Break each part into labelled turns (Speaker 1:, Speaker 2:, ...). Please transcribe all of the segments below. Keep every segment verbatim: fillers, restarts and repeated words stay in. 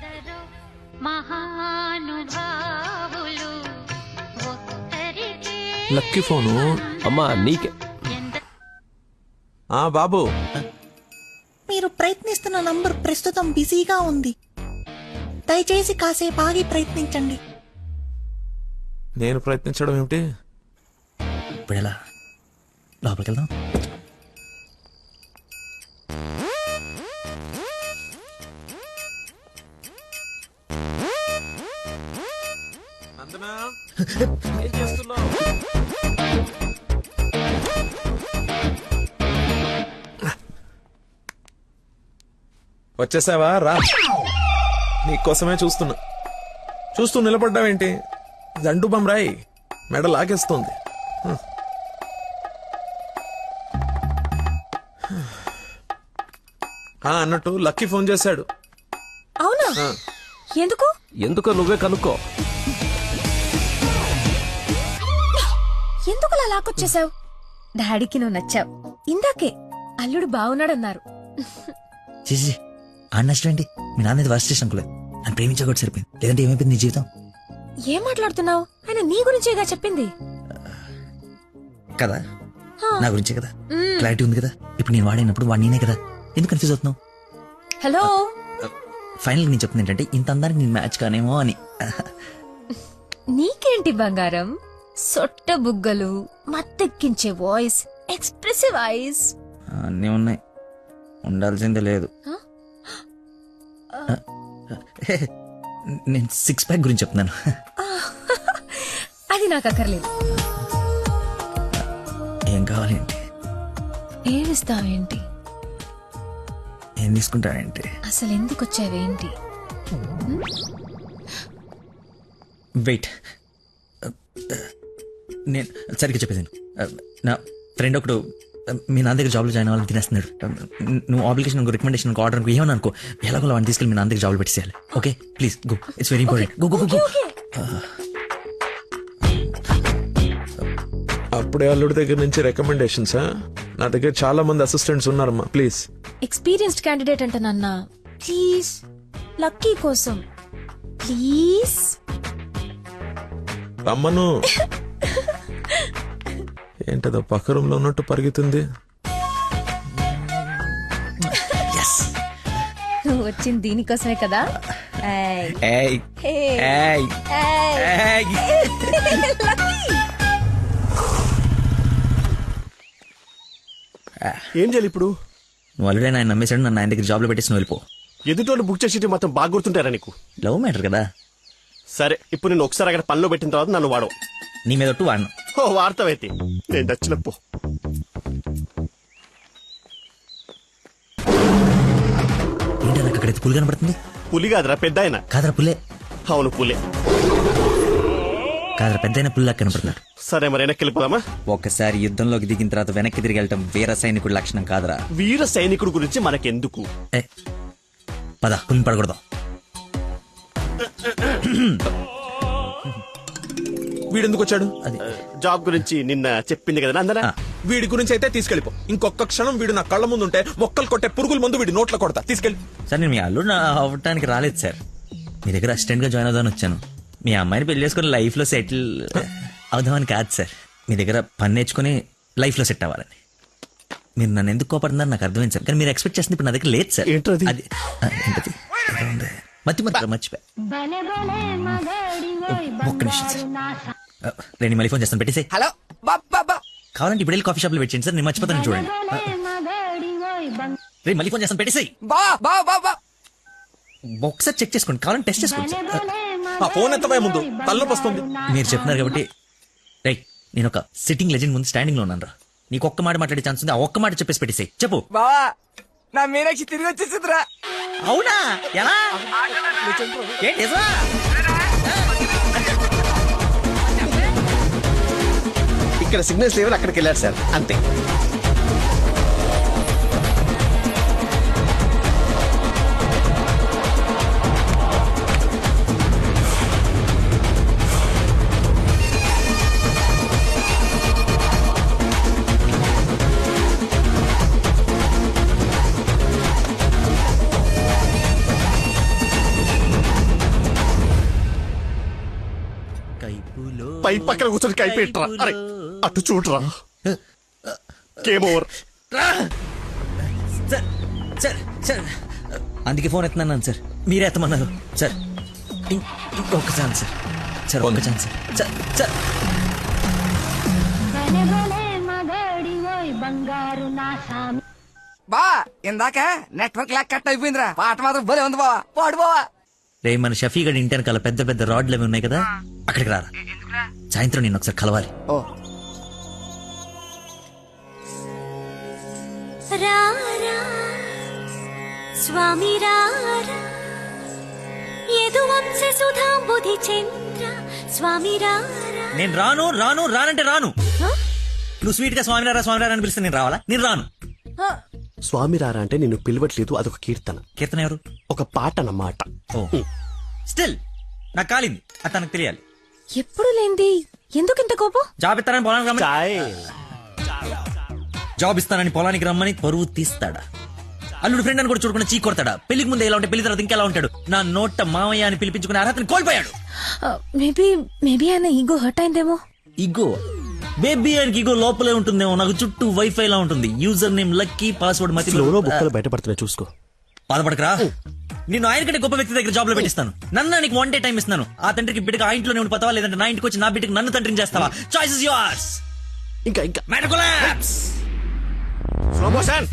Speaker 1: Lucky phone.
Speaker 2: అమ్మా నీకే.
Speaker 1: ఆ బాబు,
Speaker 3: మీరు ప్రయత్నిస్తున్న నంబర్ ప్రస్తుతం బిజీగా ఉంది, దయచేసి కాసేపు ఆగి ప్రయత్నించండి.
Speaker 1: నేను ప్రయత్నించడం ఏమిటి?
Speaker 4: ఇప్పుడు ఎలా లోపలికి వెళ్దాం?
Speaker 1: నందనా, ఏం చేస్తున్నావ్? వచ్చేసావా? రా, నీకోసమే చూస్తున్నా. చూస్తూ నిలబడ్డావేంటి? జండు బమ్రాయి మెడ లాగేస్తోంది. అన్నట్టు లక్కీ ఫోన్ చేశాడు.
Speaker 5: అవునా? ఎందుకు?
Speaker 2: ఎందుకో నువ్వే కనుక్కో.
Speaker 5: ఎందుకు అలా లాక్కొచ్చేసావు? డాడీకి నువ్వు నచ్చావు. ఇందాకే అల్లుడు బాగున్నాడన్నారు.
Speaker 4: చేసి ఆ నష్టం ఏంటి? మీ నాన్నది వర్స్ట్ చేసిన అనుకోలేదు. అని ప్రేమించకూడదు సరిపోయింది. లేదంటే ఏమైపోయింది నీ జీవితం?
Speaker 5: ఏం మాట్లాడుతున్నావు? ఆయన నీ గురించేగా చెప్పింది
Speaker 4: కదా, నా గురించే కదా. క్లారిటీ ఉంది కదా. ఇప్పుడు నేను వాడినప్పుడు వాడు నేనే కదా. ఎందుకు కన్ఫ్యూజ్ అవుతున్నావు?
Speaker 5: హలో,
Speaker 4: ఫైనల్ నేను చెప్తుంది ఏంటంటే ఇంత అందరికి నేను మ్యాచ్ కానేమో అని.
Speaker 5: నీకేంటి బంగారం? సొట్ట బుగ్గలు, మత్తెక్కించే వాయిస్, ఎక్స్ప్రెసివ్ ఐస్
Speaker 4: అన్నీ ఉన్నాయి, ఉండాల్సిందే లేదు. నేను సిక్స్ ప్యాక్ గురించి చెప్తున్నాను.
Speaker 5: అది నాకు అక్కర్లేదు.
Speaker 4: ఏం కావాలేంటి?
Speaker 5: ఏమిస్తావేంటి?
Speaker 4: ఏం తీసుకుంటావేంటి?
Speaker 5: అసలు ఎందుకు వచ్చావేంటి?
Speaker 4: వెయిట్, నేను సరిగ్గా చెప్పేసాను. నా ఫ్రెండ్ ఒకడు మీ నాన్న దగ్గర జాబ్లో జాయిన్ అవ్వాలని తినేస్తున్నాడు. నువ్వు అప్లికేషన్ రికమెండేషన్ ఆర్డర్ అనుకో, ఏమని అనుకో, ఎలాగో వాడిని తీసుకెళ్ళి మీ నాన్న దగ్గర జాబ్లో పెట్టేయాలి. Okay please go, it's very important. Go go go.
Speaker 1: అప్పుడే అల్లుడి దగ్గర నుంచి రికమెండేషన్స్? నా దగ్గర చాలా మంది అసిస్టెంట్స్ ఉన్నారమ్మా, ప్లీజ్.
Speaker 5: ఎక్స్పీరియన్స్డ్ క్యాండిడేట్ అంట నాన్న, ప్లీజ్ లక్కీ కోసం ప్లీజ్
Speaker 1: రమ్మను. ఏంటదో పక్క రూమ్ లో ఉన్నట్టు పరిగెత్తుంది.
Speaker 5: నువ్వు వచ్చింది దీనికోసమే కదా.
Speaker 6: ఏం చేయాలి ఇప్పుడు?
Speaker 4: నువ్వు ఆల్రెడీ ఆయన నమ్మేశాడు, నన్ను ఆయన దగ్గర జాబ్లో పెట్టేసి నువ్వు వెళ్ళిపో.
Speaker 6: ఎదుటోళ్ళు బుక్ చేసి మొత్తం బాగా గుర్తుంటారా నీకు?
Speaker 4: లవ్ మ్యాటర్ కదా.
Speaker 6: సరే, ఇప్పుడు నేను ఒకసారి అక్కడ పనిలో పెట్టిన తర్వాత నన్ను వాడవు.
Speaker 4: నీ మీద ఒట్టు వాడను.
Speaker 6: ఓ వార్తవైతే నేను నచ్చినప్పు.
Speaker 4: ఏంటో నాకు అక్కడైతే పులి కనపడుతుంది.
Speaker 6: పులి కాదురా, పెద్ద ఆయన.
Speaker 4: కాదరా పుల్లే.
Speaker 6: అవును పులే.
Speaker 4: కాదరా పెద్ద అయిన పుల్లా కనపడుతున్నాడు.
Speaker 6: సరే మరి వెనక్కి వెళ్ళిపోదామా?
Speaker 4: ఒకసారి యుద్ధంలోకి దిగిన తర్వాత వెనక్కి తిరిగి వెళ్ళటం వీర సైనికుడి లక్షణం కాదరా.
Speaker 6: వీర సైనికుడు గురించి మనకెందుకు?
Speaker 4: ఏ పద, పులిని పడకూడదాం.
Speaker 1: వీడెందుకు వచ్చాడు?
Speaker 4: అది
Speaker 6: జాబ్ గురించి నిన్న చెప్పింది కదా అందరా.
Speaker 1: వీడి గురించి అయితే తీసుకెళ్ళిపో. ఇంకొక క్షణం వీడు నా కళ్ళ ముందు ఉంటే మొక్కలు కొట్టే పురుగుల ముందు వీడి నోట్లో కొడతా. తీసుకెళ్ళి.
Speaker 4: సార్ నేను మీ అల్లుడు అవ్వటానికి రాలేదు సార్, మీ దగ్గర అసిస్టెంట్ గా జాయిన్ అవుదామని వచ్చాను. మీ అమ్మాయిని పెళ్లి చేసుకుని లైఫ్ లో సెటిల్ అవుదామని కాదు సార్, మీ దగ్గర పని నేర్చుకుని లైఫ్ లో సెట్ అవ్వాలని. మీరు నన్ను ఎందుకు కోపడుతున్నారు నాకు అర్థమైంది సార్, కానీ మీరు ఎక్స్పెక్ట్ చేస్తుంది ఇప్పుడు నా దగ్గర లేదు సార్.
Speaker 6: ఏంటది?
Speaker 4: అది ఏంటది? మతి మతి మర్చిపోయా. ఒక్క నిమిషం సార్, నేను మళ్ళీ ఫోన్ చేస్తాను, పెట్టేసి.
Speaker 3: హలో
Speaker 4: కావాలంటే ఇప్పుడు వెళ్ళి కాఫీ షాప్ లో పెట్టండి సార్, నేను మర్చిపోతాను చూడండి. రే మళ్ళీ ఫోన్ చేస్తాను, పెట్టేసి. ఒకసారి చెక్ చేసుకోండి, కావాలంటే టెస్ట్ చేసుకోండి సార్.
Speaker 1: ఆ ఫోన్ ఎత్తబోయే ముందు తలనొప్పి వస్తుంది.
Speaker 4: మీరు చెప్తున్నారు కాబట్టి రైట్, నేను ఒక సిట్టింగ్ లెజెండ్ ముందు స్టాండింగ్ లో ఉన్నాను రా. నీకు ఒక్క మాట మాట్లాడే ఛాన్స్ ఉంది, ఆ ఒక్క మాట చెప్పేసి పెట్టేసి చెప్పు.
Speaker 3: బావా, నా మీనాక్షి తిరిగి వచ్చేసిందిరా.
Speaker 4: అవునా? ఎలా? ఏంటి నిజమా?
Speaker 6: ఇక్కడ సిగ్నల్స్ లేవని అక్కడికి వెళ్ళారు సార్, అంతే. పై పక్కన కూర్చొని కైపెట్టరా అరే అటు చూడరా game over
Speaker 4: sir sir sir అందుకే ఫోన్ ఎత్తున్నాను సార్ మీరే ఎత్తమన్నారు సార్ ఇం- ఇంకొక ఛాన్స్ సార్ సార్ ఒక్క ఛాన్స్ సార్ సార్ సార్
Speaker 3: బా ఇందాక నెట్వర్క్ లాక్ కట్ అయిపోయిందిరా పాట మాత్రం భలే ఉంది బావా పాడు బావా
Speaker 4: రే మన షఫీ గడి ఇంటి వెనకాల పెద్ద పెద్ద రాడ్లు అవి ఉన్నాయి కదా అక్కడికి రారా సాయంత్రం నేను ఒకసారి కలవాలి
Speaker 3: ఓ
Speaker 7: రారా స్వామి రారా యదువంశ సుధాంబుధి చంద్ర స్వామి రారా
Speaker 4: నేను రాను రాను రానంటే రాను నువ్వు స్వీట్ గా స్వామినారా స్వామినారా అని పిలిస్తే నేను రావాలా నేను రాను
Speaker 6: స్వామి రారా అంటే నిన్ను పిలవట్లేదు అదొక కీర్తన
Speaker 4: కీర్తన ఎవరు
Speaker 6: ఒక పాట అన్నమాట
Speaker 4: ఓ స్టిల్ నాకు కాలింది అది తనకు తెలియాలి
Speaker 5: ఎప్పుడు లేంది ఎందుకు ఇంత కోపం
Speaker 4: జాబ్ ఇస్తానని పొలానికి రమ్మని
Speaker 6: చాయ్
Speaker 4: జాబ్ ఇస్తానని పొలానికి రమ్మని పరువు తీస్తాడా అల్లుడు ఫ్రెండ్ అని కూడా చూడకుండా చీ కొడతాడా పెళ్లికి ముందు ఎలా ఉంటే పెళ్లి తర్వాత ఇంకెలా ఉంటాడు నా నోట మామయ్య అని పిలిపించుకునే అర్హతని కోల్పోయాడు
Speaker 5: మేబీ మేబీ ఆయన ఈగో హర్ట్ అయిందేమో
Speaker 4: ఇగో బేబీ ఆయనకి ఇగో లోపలే ఉంటుందేమో నాకు చుట్టూ వైఫై లా ఉంటుంది యూజర్ నేమ్ లక్కీ పాస్వర్డ్ మతి
Speaker 6: ఫ్లోలో బుక్కలు బయటపడుతున్నాయి చూసుకో
Speaker 4: బాధపడకరా నేను ఆయన కంటే గొప్ప వ్యక్తి దగ్గర జాబ్ లో పెట్టిస్తాను నన్ను నీకు వన్ డే టైం ఇస్తాను ఆ తండ్రికి బిడ్డగా ఆ ఇంట్లోనే ఉండి పోతావా లేదంటే నా ఇంటికి వచ్చి నా బిడ్డకి నన్ను తండ్రిని చేస్తావా చాయిస్ ఇస్ యువర్స్
Speaker 6: ఇంకా ఇంకా
Speaker 4: మ్యాటర్ కొలాప్స్
Speaker 6: స్లో మోషన్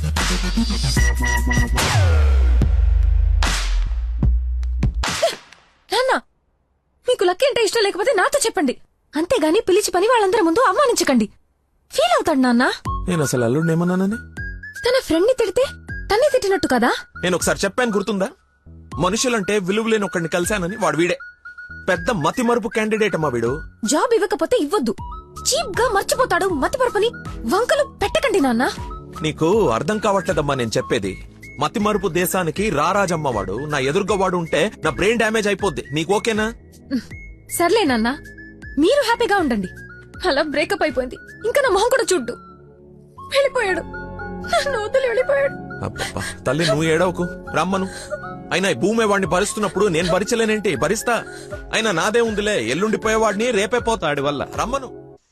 Speaker 5: నాన్న మీకు లక్కీ అంటే ఇష్టం లేకపోతే నాతో చెప్పండి అంతేగాని పిలిచి పని వాళ్ళందరి ముందు అవమానించకండి ఫీల్ అవుతాడు నాన్న
Speaker 1: నేను అసలు అల్లుడిని ఏమన్నానని
Speaker 5: తన ఫ్రెండ్ ని తిడితే తన్నే తిట్టినట్టు కదా
Speaker 1: నేను ఒకసారి చెప్పాను గుర్తుందా మనుషులంటే విలువలేని ఒకడిని కలిశానని వాడు వీడే పెద్ద మతి మరుపు క్యాండిడేట్ అమ్మా వీడు
Speaker 5: జాబ్ ఇవ్వకపోతే ఇవ్వద్దు చీప్ గా మర్చిపోతాడు మతి పరపని వంకలు పెట్టకండి నాన్న
Speaker 1: నీకు అర్థం కావట్లేదమ్మా నేను చెప్పేది మతి మరుపు దేశానికి రారాజమ్మ వాడు నా ఎదురుగా వాడు ఉంటే నా బ్రెయిన్ డ్యామేజ్ అయిపోద్ది నీకు ఓకేనా
Speaker 5: సర్లే నాన్న మీరు హ్యాపీగా ఉండండి అలా బ్రేకప్ అయిపోయింది ఇంకా నా మొహం కూడా చూడ్డు వెళ్ళిపోయాడు నన్ను వదిలి వెళ్ళిపోయాడు
Speaker 1: అబ్బబ్బా, తల్లి నువ్వు ఏడవకు రమ్మను అయినా ఈ భూమి వాడిని భరిస్తున్నప్పుడు నేను భరించలేనేంటి భరిస్తా అయినా నాదే ఉందిలే ఎల్లుండిపోయేవాడిని రేపే పోతాడి వల్ల రమ్మను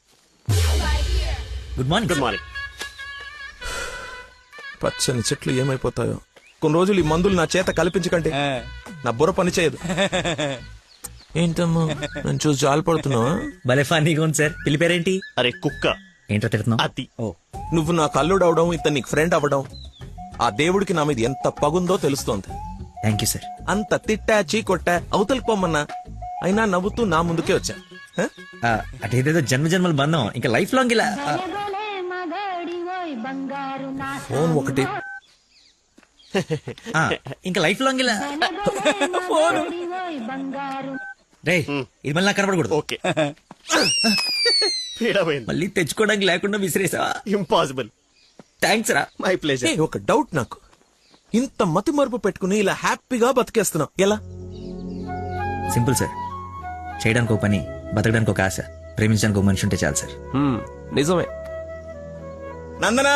Speaker 4: గుడ్ మార్నింగ్
Speaker 6: గుడ్ మార్నింగ్
Speaker 1: పచ్చని చెట్లు ఏమైపోతాయో కొన్ని రోజులు ఈ మందులు నా చేత కల్పించకండి నా బుర్ర పని చేయదు ఏంటమ్మా నేను చూసి జాలిపడుతున్నావా
Speaker 4: భలే ఫన్నీగా ఉంది సార్ పిల్లి పేరేంటి
Speaker 6: అరే కుక్క
Speaker 4: ఏంటో తిడుతున్నావు
Speaker 6: అతి
Speaker 4: ఓ
Speaker 1: నువ్వు నా కల్లుడు అవడం ఇతను నీకు ఫ్రెండ్ అవ్వడం ఆ దేవుడికి నా మీద ఎంత పగుందో తెలుస్తోంది
Speaker 4: థ్యాంక్ యూ సార్
Speaker 1: అంత తిట్టా చీకొట్టా అవతలికి పొమ్మన్నా అయినా నవ్వుతూ నా ముందుకే వచ్చా హ?
Speaker 4: అటేదేదో జన్మ జన్మల బంధం ఇంకా లైఫ్ లాంగ్ ఇలా ఆ,
Speaker 1: ఫోన్ ఒకటి
Speaker 4: ఆ, ఇంకా లైఫ్ లాంగ్ ఇలా రే ఇది మళ్ళీ నాకు కనపడకూడదు
Speaker 6: ఓకే పీడమైంది
Speaker 4: మళ్ళీ తెచ్చుకోవడానికి లేకుండా విసిరేసావా
Speaker 6: ఇంపాసిబుల్
Speaker 4: థ్యాంక్స్ రా
Speaker 6: మై
Speaker 1: ఏ,
Speaker 6: ప్లేజర్
Speaker 1: ఒక డౌట్ నాకు ఇంత మతి మరుపు పెట్టుకుని ఇలా హ్యాపీగా బతికేస్తున్నావు ఎలా
Speaker 4: సింపుల్ సార్ చేయడానికి ఒక పని బతకడానికి ఒక ఆశ ప్రేమించడానికి ఒక మనిషి ఉంటే చాలు సార్
Speaker 2: హ్మ్, నిజమే
Speaker 1: నందనా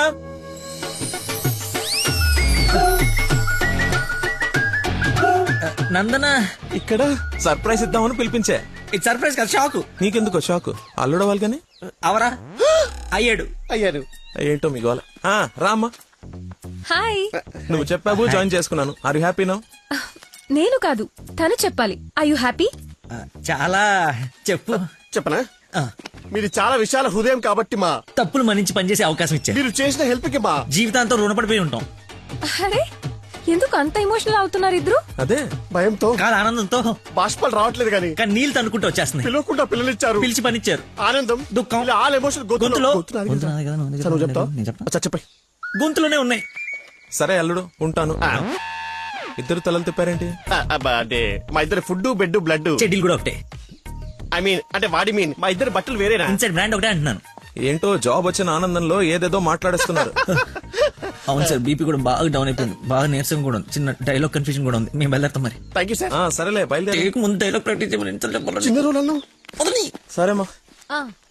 Speaker 4: నందన
Speaker 1: ఇక్కడ సర్ప్రైజ్ ఇద్దామని పిలిపించే
Speaker 4: ఇది సర్ప్రైజ్ కదా షాకు
Speaker 1: నీకెందుకో షాకు అల్లుడవాలి కానీ
Speaker 4: అవరా అయ్యాడు
Speaker 6: అయ్యారు
Speaker 1: ఏంటో మీ గోల ఆ, రామ్మా
Speaker 5: హాయ్
Speaker 1: నువ్వు చెప్పావు జాయిన్ చేసుకున్నాను ఆర్ యు హ్యాపీ నౌ
Speaker 5: నేను కాదు తను చెప్పాలి ఐ యు హ్యాపీ
Speaker 4: ఆ, చాలా చెప్పు
Speaker 6: చెప్పనా
Speaker 4: ఆ,
Speaker 6: మీరు చాలా విశాల హృదయం కాబట్టి మా
Speaker 4: తప్పులు మన్నించి పనిచేసే అవకాశం ఇచ్చారు
Speaker 6: మీరు చేసిన హెల్ప్ కి మా
Speaker 4: జీవితాంతం రుణపడిపోయి ఉంటాం
Speaker 5: అరే ఎందుకు అంత ఎమోషనల్ అవుతున్నారు ఇద్దరు
Speaker 1: అదే
Speaker 6: భయంతో
Speaker 4: కాదు ఆనందంతో
Speaker 6: బాష్పాలు రావట్లేదు కానీ
Speaker 4: కానీ నీళ్ళు తనుకుంటూ వచ్చేస్తున్నాయి
Speaker 6: పిలవకుండా పిల్లలిచ్చారు
Speaker 4: పిలిచి పనిచ్చారు
Speaker 6: ఆనందం
Speaker 4: దుఃఖం.
Speaker 6: ఇలా ఆల్ ఎమోషన్
Speaker 4: గొంతులో
Speaker 6: గొంతు నాది
Speaker 4: గొంతు
Speaker 6: కదా.
Speaker 4: నాది కదా, నువ్వు
Speaker 6: సరే, నువ్వు చెప్తావా?
Speaker 4: నేను చెప్తా.
Speaker 6: అచ్చా, చెప్పండి
Speaker 4: గొంతులోనే ఉన్నాయి
Speaker 1: సరే అల్లుడు ఉంటాను ఇద్దరు తలలు తిప్పారేంటి
Speaker 6: ఆ, అబ్బా, అంటే మా ఇద్దరు ఫుడ్ బెడ్ బ్లడ్
Speaker 4: చెడ్డీలు కూడా ఒకటే
Speaker 6: ఐ మీన్ అంటే వాడి మీన్ మా ఇద్దరు బట్టలు వేరేనా
Speaker 4: ఇన్సైడ్ బ్రాండ్ ఒకటే అంటున్నాను
Speaker 1: ఏంటో జాబ్ వచ్చిన ఆనందంలో ఏదేదో మాట్లాడేస్తున్నారు
Speaker 4: అవును సార్ బీపీ కూడా బాగా డౌన్ అయిపోయింది బాగా నీరసం కూడా ఉంది చిన్న డైలాగ్ కన్ఫ్యూజన్ కూడా ఉంది మేము వెళ్ళేస్తాం మరి
Speaker 6: థ్యాంక్ యూ సార్
Speaker 1: ఆ, సరేలే బయలుదేరి
Speaker 4: టేక్ ముందు డైలాగ్ ప్రాక్టీస్ చేయమని ఎంత చెప్పాలి
Speaker 6: చిన్న రోల్ అన్నావు
Speaker 1: సరేమ్మా
Speaker 5: ఆ